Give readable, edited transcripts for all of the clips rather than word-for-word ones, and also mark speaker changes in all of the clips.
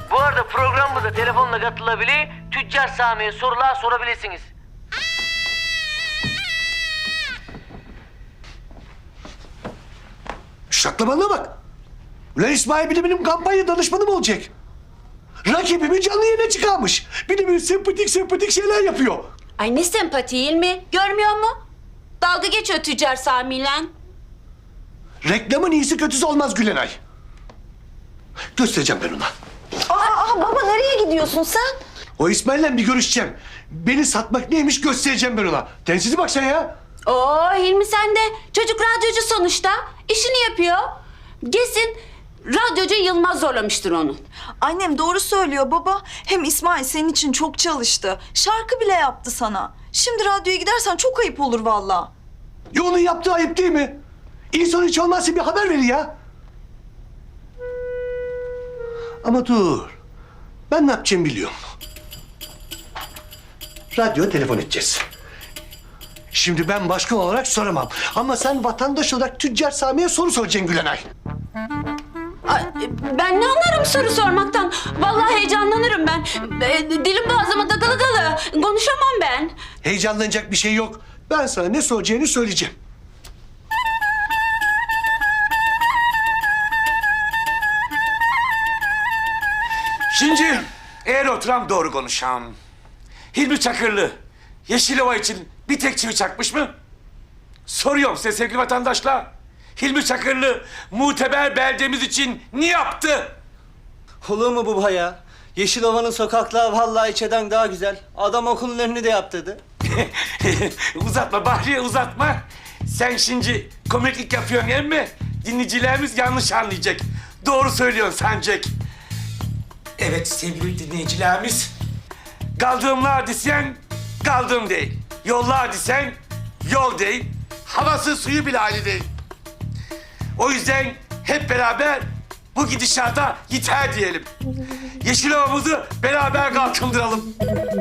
Speaker 1: Bu arada programımıza telefonla katılabilir, Tüccar Sami'ye sorular sorabilirsiniz.
Speaker 2: Şaklamanına bak. Ulan İsmail bir de benim kampanya danışmanım olacak. Rakibimi canlı yayına çıkarmış. Bir de böyle sempatik şeyler yapıyor.
Speaker 3: Ay ne sempati mi? Görmüyor mu? Dalga geçiyor Tüccar Sami'yle.
Speaker 2: Reklamın iyisi kötüsü olmaz Gülenay. Göstereceğim ben ona.
Speaker 4: Baba nereye gidiyorsun sen?
Speaker 2: O İsmail'le bir görüşeceğim. Beni satmak neymiş göstereceğim ben ona. Tensizi bak sen ya.
Speaker 3: Oo Hilmi sen de. Çocuk radyocu sonuçta. İşini yapıyor. Kesin radyocu Yılmaz zorlamıştır onu.
Speaker 4: Annem doğru söylüyor baba. Hem İsmail senin için çok çalıştı. Şarkı bile yaptı sana. Şimdi radyoya gidersen çok ayıp olur vallahi.
Speaker 2: Ya onun yaptığı ayıp değil mi? İnsan hiç olmazsa bir haber verir ya. Ama dur. Ben ne yapacağımı biliyorum. Radyoya telefon edeceğiz. Şimdi ben başkan olarak soramam. Ama sen vatandaş olarak Tüccar Sami'ye soru soracaksın Gülenay.
Speaker 3: Ay, ben ne anlarım soru sormaktan? Vallahi heyecanlanırım ben. Dilim boğazıma takılı kalı. Konuşamam ben.
Speaker 2: Heyecanlanacak bir şey yok. Ben sana ne soracağını söyleyeceğim.
Speaker 5: Şimdi eğer oturam doğru konuşam. Hilmi Çakırlı Yeşilova için bir tek çivi çakmış mı? Soruyorum size sevgili vatandaşlar. Hilmi Çakırlı muteber beldemiz için ne yaptı?
Speaker 6: Olur mu baba ya? Yeşilova'nın sokakları vallahi içeden daha güzel. Adam okulun önünü de yaptırdı.
Speaker 5: Uzatma Bahriye uzatma. Sen şimdi komiklik yapıyorsun emmi. Dinleyicilerimiz yanlış anlayacak. Doğru söylüyorsun sancak. Evet sevgili dinleyicilerimiz. Kaldığımlar desen kaldığım değil. Yollar desen yol değil. Havası suyu bile aynı değil. O yüzden hep beraber bu gidişata yeter diyelim. Yeşilova'mızı beraber kalkındıralım.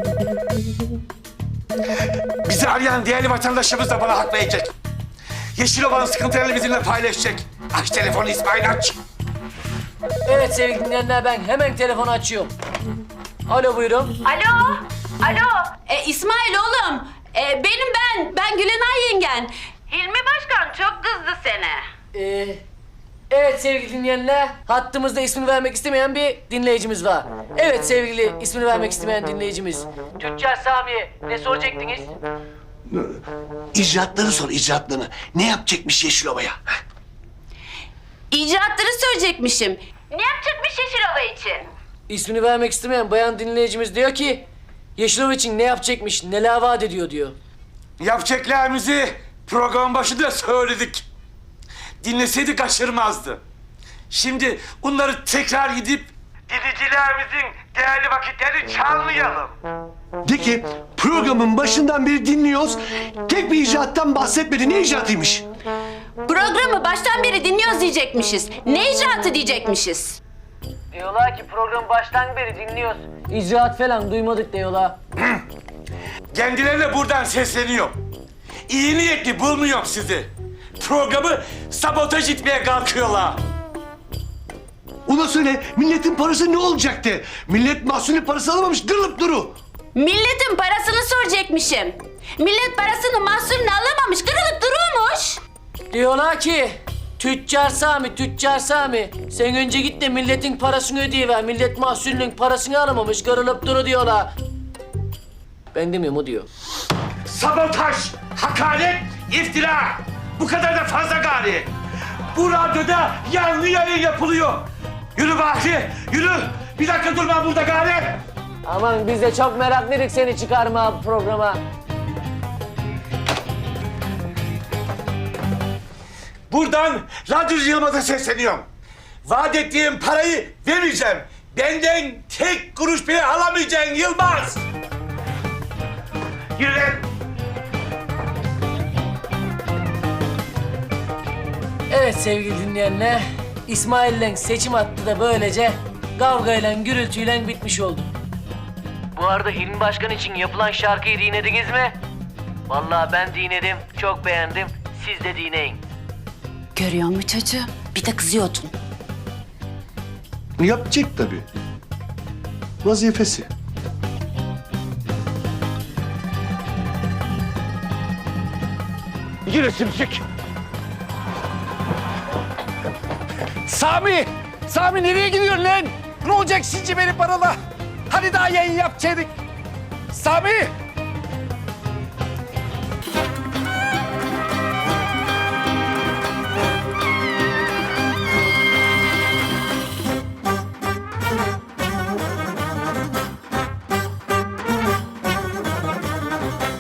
Speaker 5: Bizi arayan değerli vatandaşlarımız da bana hak verecek. Yeşilova'nın sıkıntılarını bizimle paylaşacak. Aç telefonu İsmail aç.
Speaker 1: Evet sevgili dinleyenler, ben hemen telefonu açıyorum. Alo buyurun.
Speaker 3: Alo. İsmail oğlum. Ben Gülenay yengen. Hilmi Başkan çok kızdı sene.
Speaker 1: Evet sevgili dinleyenler, hattımızda ismini vermek istemeyen bir dinleyicimiz var. Evet sevgili ismini vermek istemeyen dinleyicimiz. Tüccar Sami'ye ne soracaktınız?
Speaker 2: İcraatları sor, icraatlarını. Ne yapacakmış Yeşilova'ya?
Speaker 3: İcraatları söyleyecekmişim. Ne yapacakmış Yeşilova için?
Speaker 1: İsmini vermek istemeyen bayan dinleyicimiz diyor ki... Yeşilova için ne yapacakmış, neler vaat ediyor diyor.
Speaker 5: Yapacaklarımızı program başında söyledik. Dinleseydi kaçırmazdı. Şimdi onları tekrar gidip dinleyicilerimizin değerli vakitlerini çalmayalım.
Speaker 2: De ki programın başından beri dinliyoruz. Tek bir icraattan bahsetmedi. Ne icraatıymış?
Speaker 3: Programı baştan beri dinliyoruz diyecekmişiz. Ne icraatı diyecekmişiz?
Speaker 1: Diyorlar ki programı baştan beri dinliyoruz. İcraat falan duymadık diyorlar.
Speaker 5: Kendilerine buradan sesleniyorum. İyi niyetli bulmuyorum sizi. Programı sabotaj etmeye kalkıyorlar.
Speaker 2: Ona söyle milletin parası ne olacaktı? Millet mahsulü parası alamamış kırılıp duru.
Speaker 3: Milletin parasını soracakmışım. Millet parasını mahsulünü alamamış, kırılıp dururmuş.
Speaker 1: Diyorlar ki... Tüccar Sami, sen önce git de milletin parasını ödeyiver. Millet mahsulünün parasını alamamış, kırılıp duru diyorlar. Ben demiyorum, o diyor.
Speaker 5: Sabotaj, hakaret, iftira. Bu kadar da fazla gari. Bu radyoda yanlı yayın yapılıyor. Yürü Bahri, yürü. Bir dakika durma burada gari.
Speaker 1: Aman biz de çok meraklıydık seni çıkarma programa.
Speaker 5: Buradan radyocu Yılmaz'a sesleniyorum. Vaat ettiğim parayı vermeyeceğim. Benden tek kuruş bile alamayacaksın Yılmaz. Yürü lan.
Speaker 1: Evet sevgili dinleyenler, İsmail'le seçim hattı da böylece kavgayla, gürültüyle bitmiş oldu. Bu arada Hilmi Başkan için yapılan şarkıyı dinlediniz mi? Vallahi ben dinledim, çok beğendim. Siz de dinleyin.
Speaker 3: Görüyor musun çocuğum? Bir de kızıyordun.
Speaker 2: Yapacak tabii. vazifesi.
Speaker 5: Yürü sümsük. Sami! Sami nereye gidiyorsun lan? Ne olacak şimdi benim parala? Hani daha yayın yapacaktık? Sami!